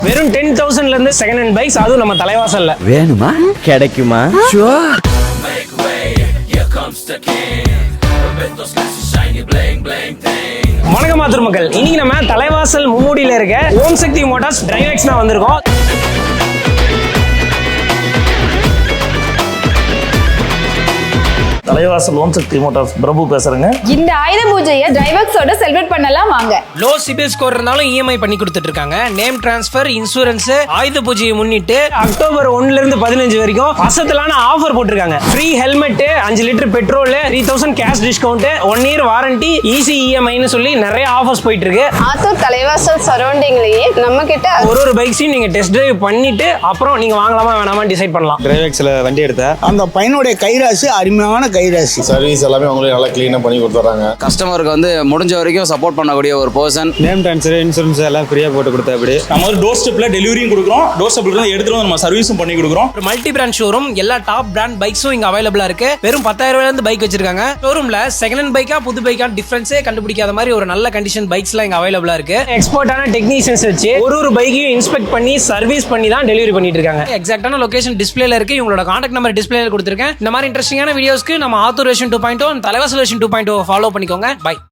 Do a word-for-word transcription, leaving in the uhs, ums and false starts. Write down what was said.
வெறும் டென் தௌசண்ட்ல இருந்து second hand bikes, அதுவும் நம்ம தலைவாசல்ல வேணுமா? கிடைக்குமா? வணக்கம் மாத்தூர் மக்கள், இன்னைக்கு நம்ம தலைவாசல் மும்மூடியில இருக்க ஓம் சக்தி மோட்டார்ஸ் டிரைவெக்ஸ் தான் வந்திருக்கோம். தலைவாசல் ஓம் சக்தி மோட்டார்ஸ் பிரபு பேசுறேங்க. இந்த ஆயுத பூஜையை டிரைவர்ஸோட செலிப்ரேட் பண்ணலாம் வாங்க. லோ சிபில் ஸ்கோர் இருந்தாலும் இஎம்ஐ பண்ணி கொடுத்துட்டு இருக்காங்க. நேம் டிரான்ஸ்பர், இன்சூரன்ஸ், ஆயுத பூஜையை முன்னிட்டு அக்டோபர் ஒன்னுல இருந்து பதினஞ்சு வரைக்கும் அசத்தலான ஆஃபர் போட்டிருக்காங்க. ஃப்ரீ ஹெல்மெட், அஞ்சு litre petrol, three thousand cash discount, one year warranty, easy இஎம்ஐன்னு சொல்லி நிறைய ஆஃபர்ஸ் போயிட்டு இருக்கு. ஆத்தூர் தலைவாசல் சரௌண்டிங்லயே நம்ம கிட்ட ஒரு ஒரு பைக்ஸையும் நீங்க டெஸ்ட் டிரைவ் பண்ணிட்டு அப்புறம் நீங்க வாங்கலாமா வேணாமா டிசைட் பண்ணலாம். டிரைவெக்ஸ்ல வண்டி எடுத்தேன். அந்த பையனுடைய கைராசி அருமையான கைராசி. சர்வீஸ் எல்லாமே அவங்களே நல்லா கிளீனா பண்ணி கொடுத்துறாங்க. கஸ்டமருக்கு வந்து முடிஞ்ச வரைக்கும் சப்போர்ட் பண்ணக்கூடிய ஒரு பர்சன். நேம் ட்ரான்ஸ்ஃபர், இன்சூரன்ஸ் எல்லாம் ஃப்ரீயா போட்டு கொடுத்தா அப்படி. நம்ம ஒரு டோர் ஸ்டெப்ல டெலிவரியும் கொடுக்குறோம், டோர் ஸ்டெப்ல இருந்து எடுத்துட்டு வந்து நம்ம சர்வீஸும் பண்ணி கொடுக்குறோம். ஒரு மல்டி பிராண்ட் ஷோரூம், எல்லா டாப் பிராண்ட் பைக்ஸும் இங்க அவைலபிளா இருக்கு. வெறும் பத்தாயிரம் ரூபாயில இருந்து பைக் வச்சிருக்காங்க. ஷோரூம்ல செகண்ட் ஹேண்ட் பைக்கா புது பைக்கா டிஃபரன்ஸே கண்டுபிடிக்காத மாதிரி ஒரு நல்ல கண்டிஷன் பைக்ஸ் எல்லாம் இங்க அவைலபிளா இருக்கு. எக்ஸ்பர்ட்டான டெக்னீஷியன்ஸ் வச்சு ஒரு ஒரு பைக்கையும் இன்ஸ்பெக்ட் பண்ணி சர்வீஸ் பண்ணி தான் டெலிவரி பண்ணிட்டு இருக்காங்க. எக்ஸாக்டான லொகேஷன் டிஸ்பிளேல இருக்கு. உங்களோட கான்டாக்ட் நம்பர் டிஸ்பிளேல கொடுத்திருக்கேன். இந்த மாதிரி இன்ட்ரெஸ்டிங்கான வீடியோஸ்க்கு நம்ம Attur version two point O Thalaivasal version two point O follow பண்ணிக்கோங்க. பை.